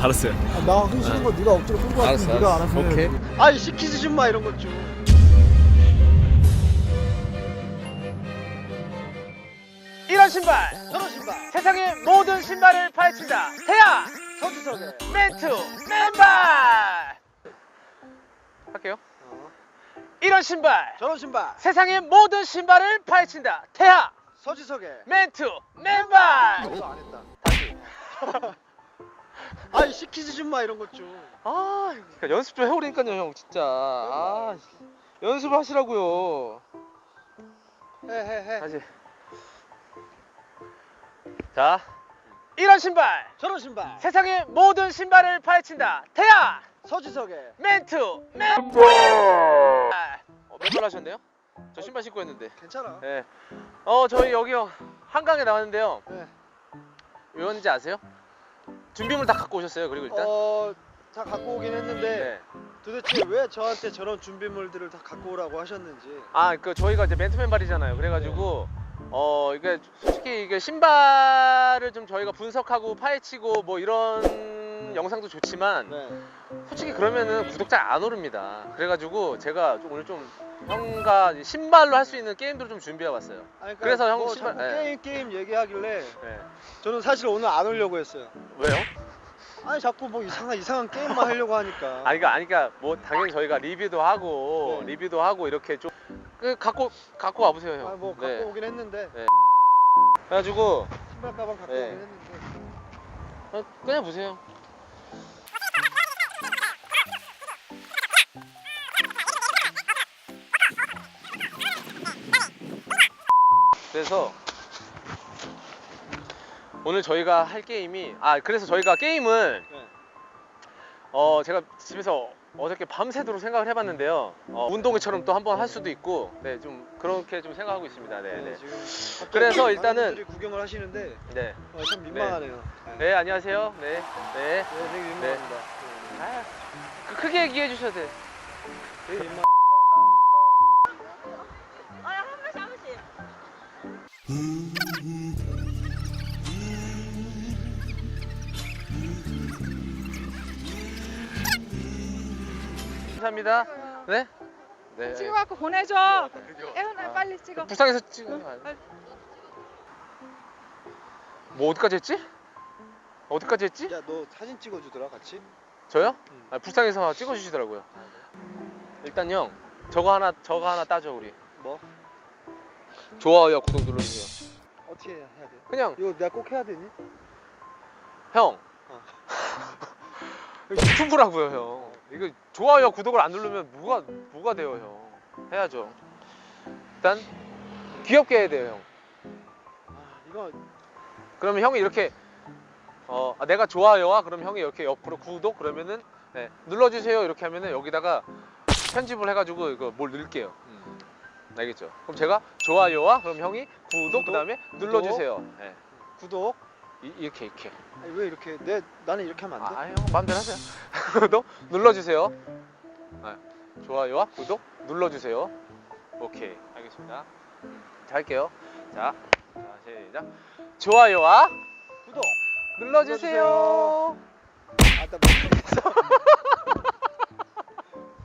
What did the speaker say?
알았어요. 나 하기 싫은 거 네가 억지로 끌고 왔으면 네가 알아서 오케이. 해야지. 아니 시키지 좀 마 이런 것 좀. 이런 신발, 저런 신발. 세상의 모든 신발을 파헤친다. 태야 서주석에. 멘투 맨발. 할게요. 이런 신발, 저런 신발. 세상의 모든 신발을 파헤친다. 태야 서주석에. 멘투 맨발. 이거 안 했다. 다시. 아니 시키지 좀 마 이런 것 좀. 아, 그러니까 연습 좀 해오라니까요, 형 진짜. 아, 연습하시라고요. 해. 다시. 자, 이런 신발, 저런 신발. 세상의 모든 신발을 파헤친다. 태야 서주석에. 멘투 맨발. 맨발 하셨네요? 저 신발 신고 했는데. 괜찮아. 네. 저희 여기요 한강에 나왔는데요. 네. 왜 왔는지 아세요? 준비물 다 갖고 오셨어요. 그리고 일단. 다 갖고 오긴 했는데 네. 도대체 왜 저한테 저런 준비물들을 다 갖고 오라고 하셨는지. 아, 그 저희가 이제 맨투 맨발이잖아요. 그래가지고 이게 솔직히 이게 신발을 좀 저희가 분석하고 파헤치고 뭐 이런 영상도 좋지만 네. 솔직히 그러면은 구독자 안 오릅니다. 그래가지고 제가 오늘 좀 형과 신발로 할 수 있는 게임들을 좀 준비해봤어요. 아니, 그러니까 그래서 형 뭐 신발. 자꾸 네. 게임 얘기하길래 네. 저는 사실 오늘 안 오려고 했어요. 왜요? 아니 자꾸 뭐 이상한 게임만 하려고 하니까. 그러니까 뭐 당연히 저희가 리뷰도 하고 네. 이렇게 좀 갖고 와보세요, 형. 뭐 갖고 네. 오긴 했는데 그래가지고 신발 가방 갖고 네. 오긴 했는데. 그냥 보세요. 그래서 오늘 저희가 할 게임이 그래서 저희가 게임을 네. 제가 집에서 어저께 밤새도록 생각을 해봤는데요. 운동회처럼 또 한번 할 수도 있고, 네, 좀 그렇게 좀 생각하고 있습니다. 네, 네. 지금 갑자기 그래서 많은 일단은 분들이 구경을 하시는데 네, 참 민망하네요. 네, 안녕하세요. 네, 네. 네, 되게 민망합니다. 네. 크게 얘기해 주셔도 돼요. 되게 민망. 한 번씩. 감사합니다. 네, 네. 찍어갖고 보내줘. 애훈아 빨리 찍어. 부상에서 찍어. 뭐 어디까지 했지? 어디까지 했지? 야, 너 사진 찍어주더라 같이? 저요? 응. 불쌍해서 찍어주시더라고요. 일단 형, 저거 하나 따져 우리. 뭐? 좋아요, 구독 눌러주세요. 어떻게 해야 돼? 그냥 이거 내가 꼭 해야 되니? 형. 어. 이거 유튜브라고요, 형. 이거 좋아요, 구독을 안 누르면 뭐가 돼요, 형. 해야죠. 일단 귀엽게 해야 돼요, 형. 이거 그러면 형이 이렇게 내가 좋아요와 그럼 형이 이렇게 옆으로 구독 그러면은 네, 눌러주세요 이렇게 하면은 여기다가 편집을 해가지고 이거 뭘 넣을게요. 알겠죠? 그럼 제가 좋아요와 그럼 형이 구독 그다음에 눌러주세요. 네. 구독. 이렇게. 아니, 왜 이렇게 나는 이렇게 하면 안 돼? 형 마음대로 하세요. 구독 눌러주세요. 네. 좋아요와 구독 눌러주세요. 오케이, 알겠습니다. 자, 할게요. 자, 시작. 좋아요와 구독 눌러주세요. 나